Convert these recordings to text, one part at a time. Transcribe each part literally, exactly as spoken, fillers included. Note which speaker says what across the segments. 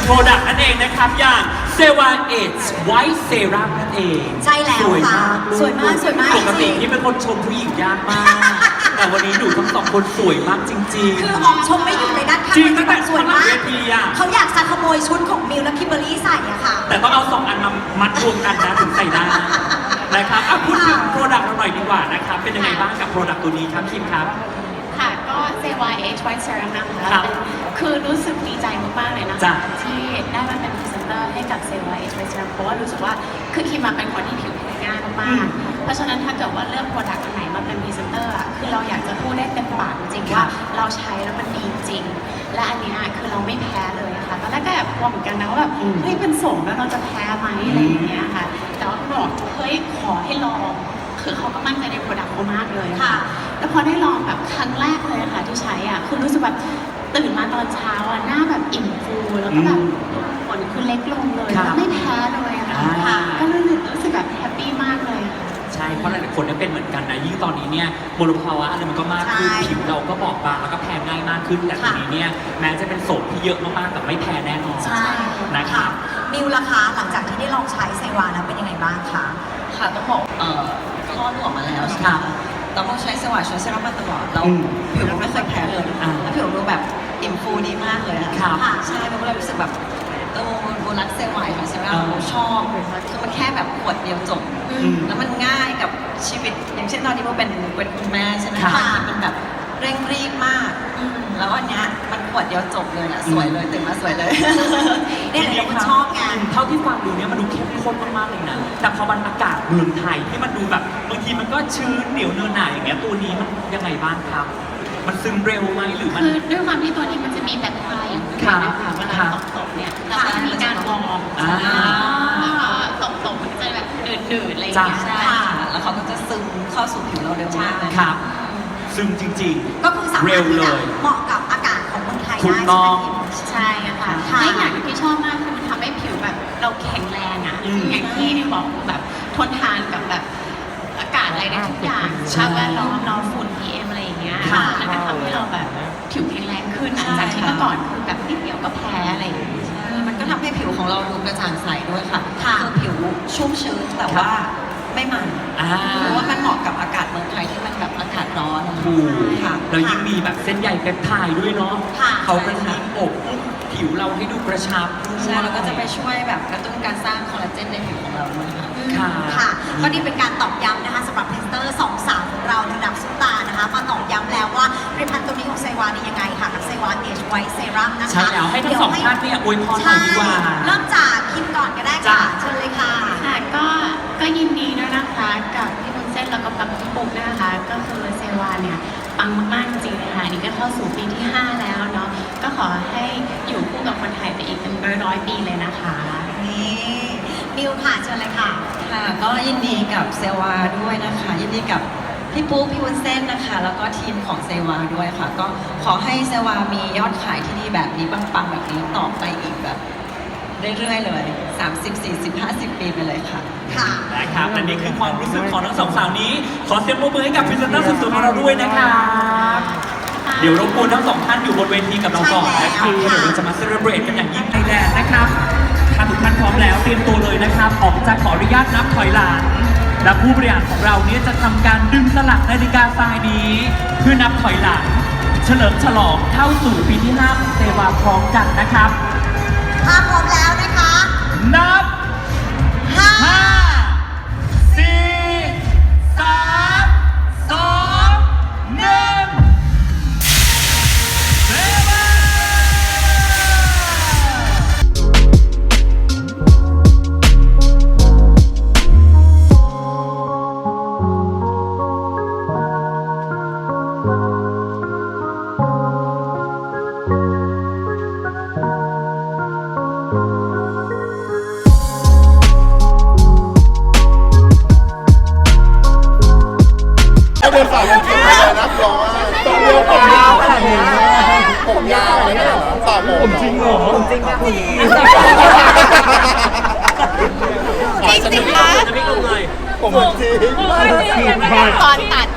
Speaker 1: โปรดักต์นั่นเองนะครับอย่างเซวาเอจไวท์เซรั่มนั่นเอง
Speaker 2: ใช่แล้วค่ะสวยมากสวยมาก
Speaker 1: ปกติที่เป็นคนชมผู้หญิงยากมาก แต่วันนี้หนูทั้งสองคนสวยมากจริงๆ
Speaker 2: คือออกชมไม่หยุดเลยนะ
Speaker 1: จริงตั้งแต่
Speaker 2: สวยมาก
Speaker 1: เขา
Speaker 2: อยากจะขโมยชุดของมิวและคิมเบอร์รี่ใส่อะค่ะ
Speaker 1: แต่ต้องเอาสองอันมามัดรวมกันนะถึงใส่ได้นะครับพูดถึงโปรดักต์เราหน่อยดีกว่านะครับเป็นยังไงบ้างกับโปรดักต์ตัวนี้ครับคิมครับ
Speaker 3: ค่ะก็เซวาเอชไวท์เซรั่มนะคะคือรู้สึกดีใจมากๆเลยนะคะที่ได้มาเป็นพรีเซนเตอร์ให้กับเซวาเอชไวท์เซรั่มเพราะว่ารู้สึกว่าคือคิมมาเป็นคนที่ผิวแพ้ง่ายมากๆเพราะฉะนั้นถ้าเกิดว่าเลือกโปรดักต์อันไหนมาเป็นพรีเซนเตอร์อ่ะคือเราอยากจะพูดได้เต็มปากจริงว่าเราใช้แล้วมันดีจริงและอันนี้คือเราไม่แพ้เลยค่ะตอนแรกก็แบบกลัวเหมือนกันนะว่าแบบเฮ้ยเป็นสมแล้วเราจะแพ้ไหมอะไรอย่างเงี้ยค่ะแต่ว่าเขาบอกเฮ้ยขอให้ลองคือเขาก็มั่นใจในโปรดักต์เขามากเลยค่ะแล้วพอได้ลองแบบครั้งแรกเลยค่ะที่ใช้อ่ะคือรู้สึกแบบตื่นมาตอนเช้าอ่ะหน้าแบบอิ่มฟูแล้วก็แบบขนคือเล็กลงเลยแล้วไม่แพ้เลยค่ะก็รู้สึกรู้สึกแบบแฮปปี้มากเลย
Speaker 1: ใช่เพราะหลายๆคนเนี่ยเป็นเหมือนกันนะยิ่งตอนนี้เนี่ยมลภาวะอะไรมันก็มากขึ้นผิวเราก็บอบบางแล้วก็แพ้ง่ายมากขึ้นแต่ทีนี้เนี่ยแม้จะเป็นโสมที่เยอะมากๆแต่ไม่แพ้แน่นอน
Speaker 2: ใช่
Speaker 1: นะคะ
Speaker 2: มิวล่ะคะหลังจากที่ได้ลองใช้ไซวาแล้วเป็นยังไงบ้างคะ
Speaker 4: ค่ะต้องบอกเอ่อคลอดลูกออกมาแล้วใช่ไหมคะเราก็ใช้สว่านใช้เซรั่มมาตลอดเราผิวเราไม่เคยแพ้เลยแล้วผิวเราแบบอิ่มฟูดีมากเลยค่ะใช่เราก็เลยรู้สึกแบบเออโบรักเซรั่มของเซรั่มเราชอบคือมันแค่แบบขวดเดียวจบแล้วมันง่ายกับชีวิตอย่างเช่นตอนนี้โบเป็นเป็นคุณแม่ใช่ไหมคะเป็นแบบเร่งรีบมากแล้วอันเนี้ยมันขวดเดียวจบเลยนะสวยเลยตื่นมาสวยเลย
Speaker 2: เนี่ยเราก็ชอบไง
Speaker 1: เท่าที่ฟังดูเนี่ยมันดูเข้มข้นมากๆเลยนะแต่พอมันอากาศเมืองไทยที่มันดูแบบบางทีมันก็ชื้นเหนียวเนินหน่ายอย่างเงี้ยตัวนี้มันยังไงบ้างครับมันซึมเร็วไหมหรือมัน
Speaker 3: คือด้วยความที่ตัวนี้มันจะมีแบคทีเรียอยู่นะคะเวลาตกๆเนี่ยเราก็จะมีการวอร์มแล้วก็ตกๆมันจะแบบหนืดๆอะไรอย่างเงี้ย
Speaker 4: ใช่แล้วเขาก็จะซึมเข้าสู่ผิวเราเร็วมากเลย
Speaker 1: ครับซึมจริง
Speaker 2: ๆก็คือสามารถที่จะเหมาะกับอากาศของเมืองไทยได้
Speaker 3: ใช่ไหมคะใช่ค่ะและอย่างที่ชอบมากคือมันทำให้ผิวแบบเราแข็งแรงอ่ะอย่างที่นี่บอกแบบทนทานกับแบบอากาศอะไรได้ทุกอย่างสภาพแวดล้อมเราฝุ่น พี เอ็ม อะไรอย่างเงี้ยมันก็ทำให้เราแบบผิวแข็งแรงขึ้นจากที่เมื่อก่อนคือแบบนิดเดียวก็แพ้อะไรอย่างเงี้ย
Speaker 4: มันก็ทำให้ผิวของเราดูกระจ่างใสด้วยค่ะคือผิวชุ่มชื้นแต่ว่าไม่มันเพราะว่ามันเหมาะกับอากาศเมืองไทยที่มันแบบอากาศร้อน
Speaker 1: ถูกแล้วยิ่งมีแบบเส้นใยเปปไทด์ด้วยเนาะเขาเป็นยิ่งอบผิวเราให้ดูกระชับ
Speaker 4: ใช่แล้วก็จะไปช่วยแบบกระตุ้นการสร้างคอลลาเจนในผิวของเราด้วย
Speaker 2: ค่ะค่ะก็นี่เป็นการตอกย้ำนะคะสำหรับพรีเซนเตอร์สองสาวของเราระดับซุปตานะคะมาตอกย้ำแล้วว่าผลิตภัณฑ์ตัวนี้ของไซวานี่ยังไงค่ะกับไซวาเอชไวท์เซรั่มนะคะ
Speaker 1: ใช่แล้วให้ทั้งสองท่านเนี่ยอวยพรหน่อยดีกว่า
Speaker 2: เริ่มจากคิมก่อนก็ได้ค่ะเชิญเลยค่ะ
Speaker 3: ค่ะก็ก็ยินดีด้วยนะคะกับพี่บุญเส้นแล้วก็กับพี่ปุ๊กนะคะก็คือเซวาเนี่ยปังมากๆจริงๆเลยค่ะนี่ก็เข้าสู่ปีที่ห้าแล้วเนาะก็ขอให้อยู่คู่กับคนไทยไปอีกเป็นร้อยๆปีเลยนะคะ
Speaker 2: นี่มิวค่ะเชิญเลยค่ะ
Speaker 4: ค่ะก็ยินดีกับเซวาด้วยนะคะยินดีกับพี่ปุ๊กพี่วุ้นเส้นนะคะแล้วก็ทีมของเซวาด้วยค่ะก็ขอให้เซวามียอดขายที่ดีแบบนี้ปังๆแบบนี้ต่อไปอีกแบบเรื่อยๆเลยสามสิบ สี่สิบ ห้าสิบปีไปเลยค่ะ
Speaker 2: ค่ะ
Speaker 1: นะครับและนี่คือความรู้สึกของทั้งสองสาวนี้ขอเสียงปรบมือให้กับพรีเซนเตอร์สุดๆของเราด้วยนะครับเดี๋ยวรบกวนทั้งสองท่านอยู่บนเวทีกับเราก่อนนะครับเดี๋ยวเราจะมาเซเลบรตกันอย่างยิ่งใหญ่แลนด์นะครับถ้าทุกท่านพร้อมแล้วเตรียมตัวเลยนะครับออกจากขออนุญาตนับถอยหลังและผู้บริหารของเราเนี่ยจะทำการดึงสลักนาฬิกาทรายนี้เพื่อนับถอยหลังเฉลิมฉลองเข้าสู่ปีที่ห้าของเซวาพร้อมกันนะครับ
Speaker 2: ถ้าพร้อมแล้วนะคะ
Speaker 1: นับห้าสี่สามสองหนึ่งเซวา
Speaker 5: เป็นฝ่ายผมเป็นฝ่ายนักร้องต้องเรียกผมยาวขนาดนี้ผมยาวเลยนะฝ่ายผมจริงเหรอผมจริงครับพี่
Speaker 3: จริงจริงนะ
Speaker 1: จะไม่ลงเลย
Speaker 5: ผมจริง
Speaker 3: ตอนตัด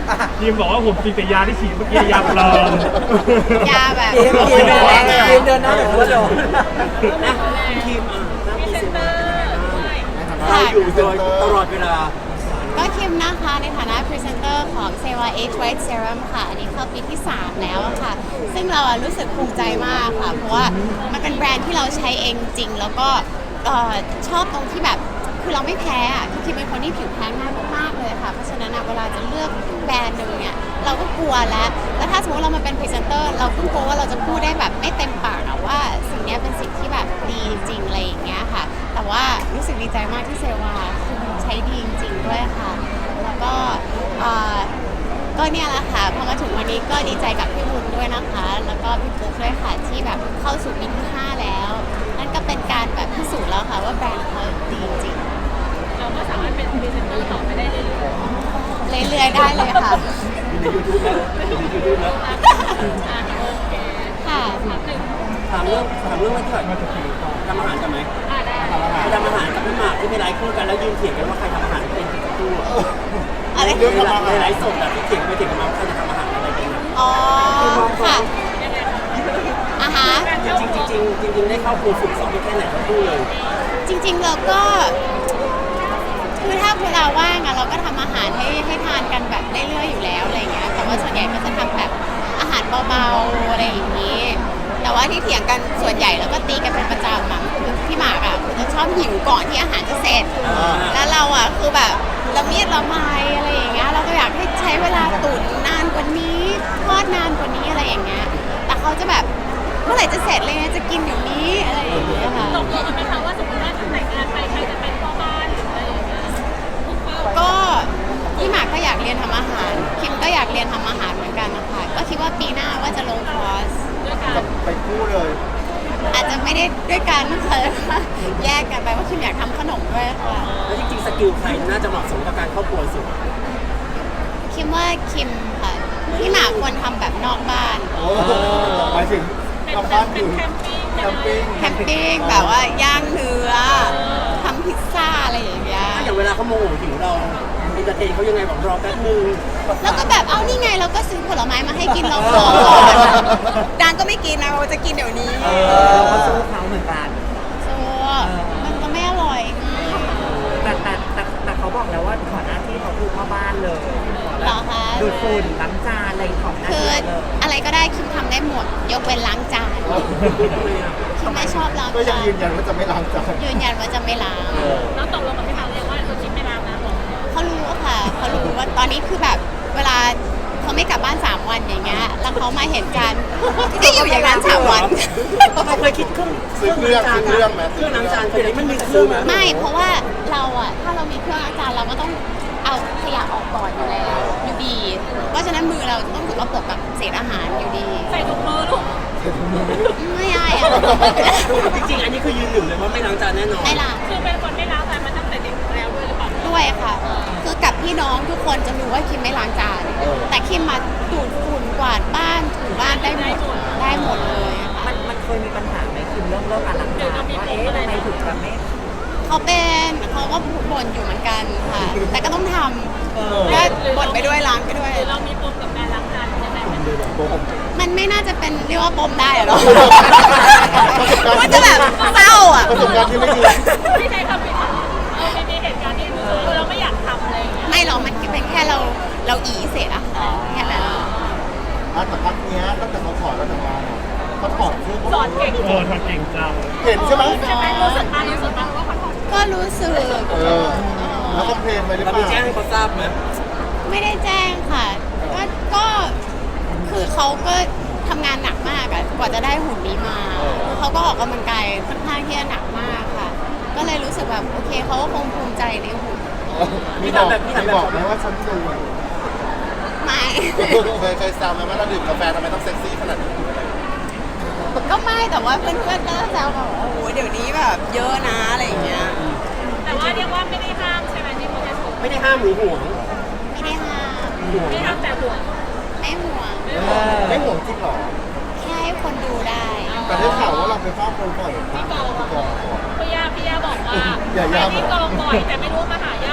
Speaker 6: ทีมบอกว่าผมกินแต่ยาที่ฉีดเมื่อกี้ยาปลอม
Speaker 3: ยาแบบ
Speaker 7: ทีมทีมเดินหน้าทีมเดินหน้าแบบว่าโดนนะทีมอ่าหน้าพรีเซนเตอร์เราอยู่โดยตลอดเวลา
Speaker 3: ก็คิมนะคะในฐานะพรีเซนเตอร์ของ เซวา Age White Serum ค่ะ อันนี้เข้าปีที่ สาม แล้วอะค่ะ ซึ่งเราอะรู้สึกภูมิใจมากค่ะ เพราะว่ามันเป็นแบรนด์ที่เราใช้เองจริง แล้วก็เอ่อชอบตรงที่แบบคือเราไม่แพ้อะคือคิมเป็นคนที่ผิวแพ้ง่ายมากๆเลยค่ะ เพราะฉะนั้นอะเวลาจะเลือกแบรนด์หนึ่งเนี่ยเราก็กลัวแล้ว แล้วถ้าสมมติเรามาเป็นพรีเซนเตอร์เราก็กลัวว่าเราจะพูดได้แบบไม่เต็มปากอะว่าสิ่งเนี้ยเป็นสิ่งที่แบบดีจริงอะไรอย่างเงี้ยค่ะ แต่ว่ารู้สึกดีใจมากที่เซวาคือมันใช้ดีจริงๆด้วยค่ะ แล้วก็เอ่อก็เนี่ยแหละค่ะพอมาถึงวันนี้ก็ดีใจกับพี่บุญด้วยนะคะ แล้วก็พี่ปุ๊กด้วยค่ะที่แบบเข้าสู่ปีที่ห้าแล้ว นั่นก็เป็นการแบบพิสูจน์แล้วค่ะว่าแบรนด์เขาดีจริง
Speaker 8: เราก็สามารถเป็นพรีเซนเตอร์ต่อไปได้เรื่อย
Speaker 3: เรื่อยๆได้เลยค่ะ
Speaker 7: ในยูทูบแล้วในยูทูบแล้ว
Speaker 8: ๆอ่ะโอเค
Speaker 3: ค่ะ
Speaker 8: ถามหนึ่ง
Speaker 7: ถามเรื่องถามเรื่องว่าที่ไหนทำอาหารกันไหม
Speaker 8: อ่ะได้
Speaker 7: ทำอาหารกับพี่หมากที่ไปไลฟ์คู่กันแล้วยืนเถียงกันว่าใครทำอาหารเป็นคู่
Speaker 3: อะไร
Speaker 7: เรื่องในไลฟ์สดอะที่เถียงไปเถียงกันมาว่าใครจะทำอาหารอะไรกันนะ
Speaker 3: อ๋อค่ะอ่ะฮะ
Speaker 7: จริงๆจริงๆจริงๆได้เข้าครูฝึกสอนไปแค่ไหนทั้งคู่เลย
Speaker 3: จริงๆเราก็คือถ้าเวลาว่างอะเราก็ทำอาหารให้ให้ทานกันแบบเรื่อยๆอยู่แล้วอะไรเงี้ยแต่ว่าส่วนใหญ่ก็จะทำแบบอาหารเบาๆอะไรอย่างนี้ แต่ว่าที่เถียงกันส่วนใหญ่แล้วก็ตีกันเป็นประจำอะคือพี่หมากอะคือจะชอบหิวก่อนที่อาหารจะเสร็จ แล้วเราอะคือแบบละเมียดละไมอะไรอย่างเงี้ยเราก็อยากให้ใช้เวลาตุ๋นนานกว่านี้ทอดนานกว่านี้อะไรอย่างเงี้ยแต่เขาจะแบบเมื่อไหร่จะเสร็จเลยนะจะกินอยู่นี้อะไรอย่างเงี้ยค่ะ
Speaker 8: ตกลงกันไหมคะว่าสมมติว่าแต่งงานไปใครจะเป็นพ่อบ้านหรืออะไรอย่างเงี้ย
Speaker 3: ก็พี่หมากก็อยากเรียนทำอาหาร คิมก็อยากเรียนทำอาหารเหมือนกันนะคะก็คิดว่าปีหน้าว่าจะลงคอร์ส
Speaker 8: ด้วยกัน
Speaker 5: จะไปคู่เลย
Speaker 3: อาจจะไม่ได้ด้วยกันนะคะแยกกันไปว่าคิมอยากทำขนมด้วยค่ะ
Speaker 7: แล้วจริงๆสกิลใครน่าจะเหมาะสมกับการเข้าครัวสุด
Speaker 3: คิมว่าคิมค่ะพี่หมากควรทำแบบนอกบ้าน
Speaker 5: โอ้หมายถึง
Speaker 8: เป็น
Speaker 5: ทำบ้าน
Speaker 8: เป็
Speaker 5: อน ยู่
Speaker 8: แคมปิ้ง
Speaker 5: แคมปิ้ง
Speaker 3: แคมปิ้งแบบว่าย่างเนื้อทำพิซซ่าอะไรอย่างเงี้ย
Speaker 7: ถ้าอย่างเวลาเขาโมโหหิวเราอินเตอร์เทนเขายังไงบอกรอแป๊บนึง
Speaker 3: แล้วก็แบบเอานี่ไงเราก็ซื้อผลไม้มาให้กินเราขอก่อนดานก็ไม่กินนะเราจะกินเดี๋ยวนี้
Speaker 7: เราก็สู้เขาเหมือนกัน
Speaker 3: ซัวมันก็ไม่อร่อย
Speaker 9: แต่แต่แต่แต่เขาบอกแล้วว่าขอหน้าที่เขาคือพ่อบ้านเลย
Speaker 3: เหรอคะ
Speaker 9: ดูดฝุ่นล้างจานอะไรของหน้า
Speaker 3: คือ
Speaker 9: ที่เลย
Speaker 3: อะไรก็ได้คิมทำได้หมด ยกเว้นล้างจานคิมไม่ชอบล้าง
Speaker 5: ก็ยัง
Speaker 3: จาน
Speaker 5: ยืนยันว่าจะไม่ล้างจาน
Speaker 3: ยืนยันว่าจะไม่ล้าง
Speaker 8: แล้วตกลงกับพี่หมากเลยว่าเราคิดไม่รับนะบอก
Speaker 3: เขารู้ค่ะเขารู้ว่าตอนนี้คือแบบเวลาเขาไม่กลับบ้านสามวันอย่างเงี้ยแล้วเขามาเห็นกันก็อยู่อย่างนั้นสามวัน
Speaker 7: เขาเคยคิดเครื่อง
Speaker 5: ซื้อเครื่องซื้อเครื่องไหม
Speaker 7: เครื่องล้างจานเคยได้มันมีเครื่องไหม
Speaker 3: ไม่เพราะว่าเราอะถ้าเรามีเครื่องล้างจานเราก็ต้องเอาขยะออกก่อนอยู่แล้วอยู่ดี เพราะฉะนั้นมือเราจะต้องถูกกระปกกับเศษอาหารอยู่ดี
Speaker 8: ใส่ถุงมือลูก
Speaker 3: ไม่ได้อะ
Speaker 7: จริงๆ อันนี้คือยืนหนึ่งเลยว่าไม่ล้างจานแน่นอน
Speaker 3: ไม่ล้าง
Speaker 8: คือเป็นคนไม่รับแต่มาตั้งแต่เด็กแล้วด้วยหรือเปล่า
Speaker 3: ด้วยค่ะ คือกับพี่น้องทุกคนจะรู้ว่าคิมไม่ล้างจาน แต่คิมมาดูดฝุ่นกวาดบ้านถูบ้านได้หมดได้หมดเลยอะค่ะ
Speaker 9: มันมันเคยมีปัญหาไหมคิมเรื่องเรื่องการล้างจานว่าเอ๊ะทำไมถึงแบบไม่
Speaker 3: เขาเป็นเขาก็บ่นอยู่เหมือนกันค่ะ แต่ก็ต้องทำก็บ่นไปด้วยล้างไปด้วย
Speaker 8: หรือเรามีปมกับการล้างจานยังไงไหม
Speaker 3: มันไม่น่าจะเป็นเรียกว่าปมได้อะเนาะมันจะแบบเศร้าอ่ะ
Speaker 5: ประสบการณ์ที่ไม่ดี
Speaker 8: ที่ใช้คำผิดเออไม่มีเหตุการณ์ที่รู้สึกว่าเราไม่อยากทำอะไรอย่างเงี้ย
Speaker 3: ไม่หรอกมันเป็นแค่เราเราอีเสร็จอะค่ะแค่นั้น
Speaker 5: อ่ะแต่พักเนี้ยตั้งแต่เขาถอดแล้วทำงานอ่ะเขาถอดคือ
Speaker 8: สอนเก่ง
Speaker 6: โอ้ทำเก่งจัง
Speaker 5: เห็นใช่ไหม
Speaker 8: ใช่ไหมรู้สึกมารู้สึกมาว่าเขาถอด
Speaker 3: ก็รู้สึก
Speaker 5: เออ แล้วคอมเพลนไปหรือ
Speaker 7: เรา
Speaker 5: เป
Speaker 7: มี
Speaker 5: ล่า
Speaker 7: แจ้งให้เขาทราบไหม
Speaker 3: ไม่ได้แจ้งค่ะ ก็ก็คือเขาก็ทำงานหนักมากอะกว่าจะได้หุ่นนี้มาเขาก็ออกกำลังกายค่อนข้างที่จะหนักมากค่ะ ก็เลยรู้สึกแบบโอเคเขาก็คงภูมิใจในหุ่น
Speaker 5: มีบอกมีบอกไหมว่าฉันดู
Speaker 3: ไม่
Speaker 5: เคยเคยแซวไหมว่าเราดื่มกาแฟทำไมต้องเซ็กซี่ขนาดนี้
Speaker 3: ก็ไม่แต่ว่าเพื่อนๆก็แซวแบบโอ้โหเดี๋ยวนี้แบบเยอะนะอะไรอย่างเงี้ย
Speaker 8: แต่ว่าเรียกว่าไม่ได้ห้ามใช่ไหมที่เขาจะถูก
Speaker 7: ไม่ได้ห้ามหรือห่วง
Speaker 3: ไม่ได้ห้าม
Speaker 8: ไม่ห้ามแต่ห่วง
Speaker 3: ไม่ห่วง
Speaker 5: ไม่ห่วงจริงหรอ
Speaker 3: แค่ให้คนดูได้
Speaker 5: แต่ได้ข่าวว่าเราไปเฝ้าคนบ่อยที่กองก่อน
Speaker 8: พี่ยาพี่ยาบอกว่า
Speaker 5: อย่าย่า
Speaker 8: ไปที่กองบ่อยแต่ไม่รู้มาหาญาติหรือมาหา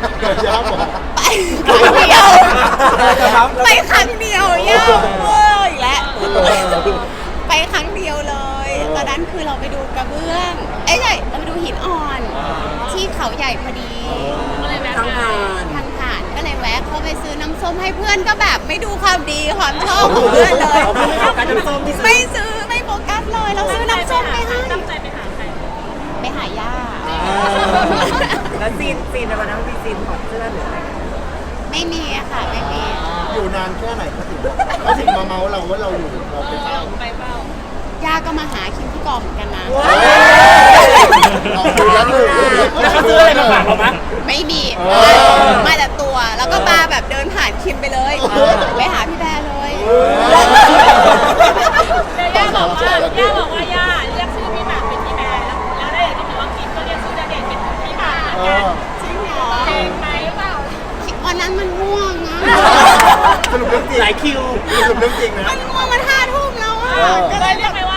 Speaker 5: ย่าบอก
Speaker 10: ไปครั้งเดียวไปครั้งเดียวยากเวอร์อีกแล้วไปครั้งเดียวเลยตอนนั้นคือเราไปดูกระเบื้องเอ้ยใช่เราไปดูหินอ่อนที่เขาใหญ่พอดีทางผ่านทางผ่านก็เลยแวะเข้าไปซื้อน้ำส้มให้เพื่อนก็แบบไม่ดูความดีความชอบของเพื่อนเลยไม่ซื้อไม่โฟกัสเลยเราซื้อน้ำส้มไปให้
Speaker 8: ตั้งใจไปหาใคร
Speaker 10: ไปหาย่า
Speaker 9: แล้วซีนซีนในวันนั้นมีซีนถอดเสื้อหรืออะไร
Speaker 10: ไม่มีอะค่ะไม่มี
Speaker 5: อยู่นานแค่ไหนเขาถึงเขาถึงมาเมาเราว่าเราอยู่เราไปเฝ้า
Speaker 8: ไปเฝ้า
Speaker 10: ย่าก็มาหาคิมที่กองเหมือนกันนะ
Speaker 5: เราคุยแล้วเลย
Speaker 6: แล้วเขาซื้ออะไรมาฝากเราไหม
Speaker 10: ไม่มีมาแต่ตัวแล้วก็มาแบบเดินผ่านคิมไปเลยไปหาพี่แบร์เลย
Speaker 8: ย่าบอกว่าย่าบอกว่าย่าเรียกชื่อพี่หมากเป็นพี่แบร์แล้วได้ก็บอกว่ากินก็เรียกชื่อณเดชน์เป็นพี่หมากเหมือนกัน
Speaker 10: จริงเหรอ
Speaker 8: เก่งไหมเปล่า
Speaker 10: วันนั้นมันง่วงนะ
Speaker 5: สรุปเรื่องจริง
Speaker 6: หลายคิว
Speaker 5: สรุปเรื่องจริงนะ
Speaker 10: มันง่วงมันห้าทุ่มแล้วอะ
Speaker 8: ก็เลยเรียกไปว่า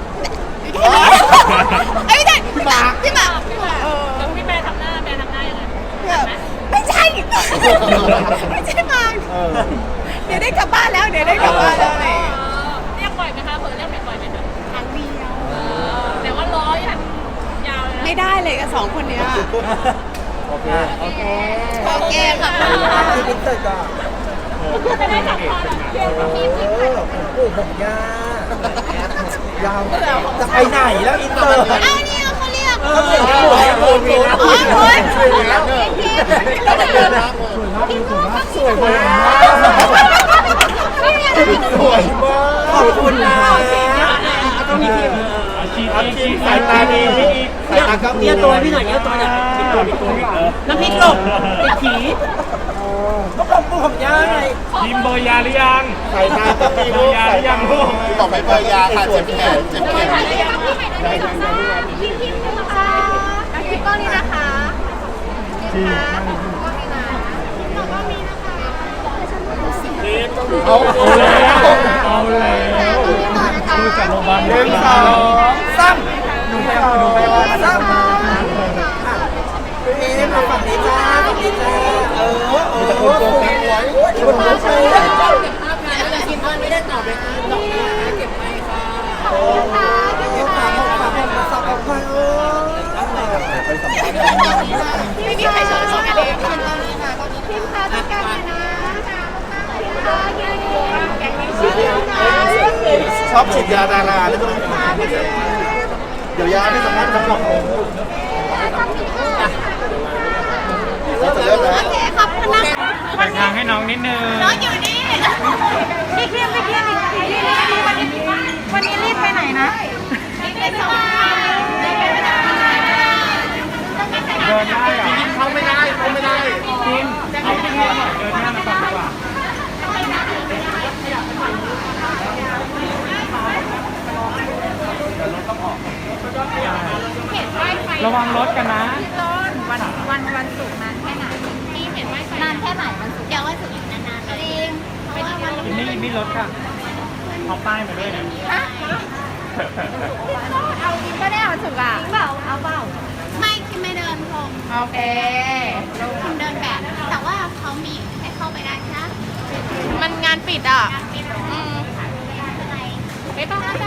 Speaker 10: ไอ้ยไม่ใช่พี่หมากพี่หมากพี่หมากเออ
Speaker 8: แล้วพี่แบร์ทำหน้าแบร์ทำหน้ายังไง
Speaker 10: แบบไม่ใช่ไม่ใช่หมากเดี๋ยวได้กลับบ้านแล้วเดี๋ยวได้กลับบ้านแล้วอะไรอย่างเงี้ย
Speaker 8: เรียกบ่อยไหมคะเผื่อเรียกบ่อยไหมคะ
Speaker 10: ครั้งเดียว
Speaker 8: แต่ว่าร้อยอ่ะยาวเลยนะ
Speaker 10: ไม่ได้เลยกับสองคนเนี้ย
Speaker 5: โอเค
Speaker 9: โอเค
Speaker 10: โอเคค่ะ
Speaker 9: คือพิเศษก่อน
Speaker 8: ไม่ได้จับคอหรอกเรียกพี่พี่
Speaker 9: เออผมผมยายาวจะไปไหนแล้วอินเตอร์
Speaker 10: เอาเนี่ยเขาเรียก
Speaker 9: เออเหมือนกันหมดเลยคุณมีนะ
Speaker 10: อ๋อคุณ
Speaker 5: สวยแล้วเนี่ยสวยมากเลย
Speaker 9: สวยมาก
Speaker 5: สวยมาก
Speaker 9: ขอบคุณนะต้องมีทีม
Speaker 6: อาชีพอาชีพสายตาดีพี่อีก
Speaker 5: สายตาก็มี
Speaker 6: เยี่ยตัวพี่หน่อยเยี่ยตัวหน่อยปิดตัวปิดตัวปิดเออ
Speaker 9: น้ำพริกหลบติดผีก็ผมผมย่าไง
Speaker 6: ทีมเบอร์ยาหรือยัง
Speaker 5: สายตาก็มี
Speaker 6: เบอร์ยาหรือยังลูก
Speaker 5: บอกไม่เบอร์ยาค่ะเจ็บแขนเจ็บแขน
Speaker 8: พี่พี่พี่นะคะพี่ก้อนนี้นะคะพี่คะก้อนนี้นะก้อนนี้นะคะ
Speaker 5: เอา
Speaker 6: เอาแล้วเอาแล้วดูจากโรงพยาบาล
Speaker 5: หนึ่งสอง
Speaker 9: ซ้ำหนูไปเอาหนูไปเอาซ้ำเอ๊ะมาฝั่งนี้จ้าฝั่งนี้จ้าเออเออ
Speaker 5: มีแต่คนโกงแบงค์ไว้
Speaker 9: คนมาใช้
Speaker 10: กินมันไม่ได้ตอบเลยดอกนี้เก็บไปค่ะ
Speaker 9: โอ้ยขาผมขาผมมาสับออกไปเออ
Speaker 10: ไม่มีใครชอบชอบกันเลยค่ะตอนนี้ค่ะตอนนี้
Speaker 8: พิมพ์ค่ะจัดการเลยนะพิมพ์ค่ะเย้ๆแกงนี้ชื่อนะ
Speaker 5: ชอบฉีดยาดาราแล้วต้องเดี๋ยวยาไม่สามารถทำกับผมเราจะเริ่มแล้ว
Speaker 10: โอเคขอบคุณนะ
Speaker 6: แบ่งทางให้น้องนิดนึง
Speaker 10: น้องอยู่นี่
Speaker 8: พี่เคียมพี่เคียมวันนี้วันนี้รีบไปไหนนะ
Speaker 10: ไปสวรรค์
Speaker 6: เดินได้เหรอ
Speaker 5: เข้าไม่ได้เข้าไม่ได้
Speaker 6: ทีมเอาไปเที่ยวหน่อยเดินหน้ามาก่อนดีกว่าระวังรถกันนะ
Speaker 8: วันวันวันศุกร์นานแค่ไหนพี่เห็นไหมนานแค่ไหนวันศุกร์
Speaker 10: เดี๋ยวว่าถึงนานๆจริงเพราะว่ามัน
Speaker 6: นี่นี่รถค่ะเอาป้ายมาด้วยนะ
Speaker 8: เอากินก็ได้วันศุกร์อ่ะเปล่าเอาเปล่า
Speaker 10: ไม่คิดไม่เดินพรม
Speaker 8: โอเค
Speaker 10: คิมเดินแบบ แต่ว่าเขามีให้เข้าไปได้ใช่ไหมมันงานปิดอ่ะอืม
Speaker 8: ไม่ต้อง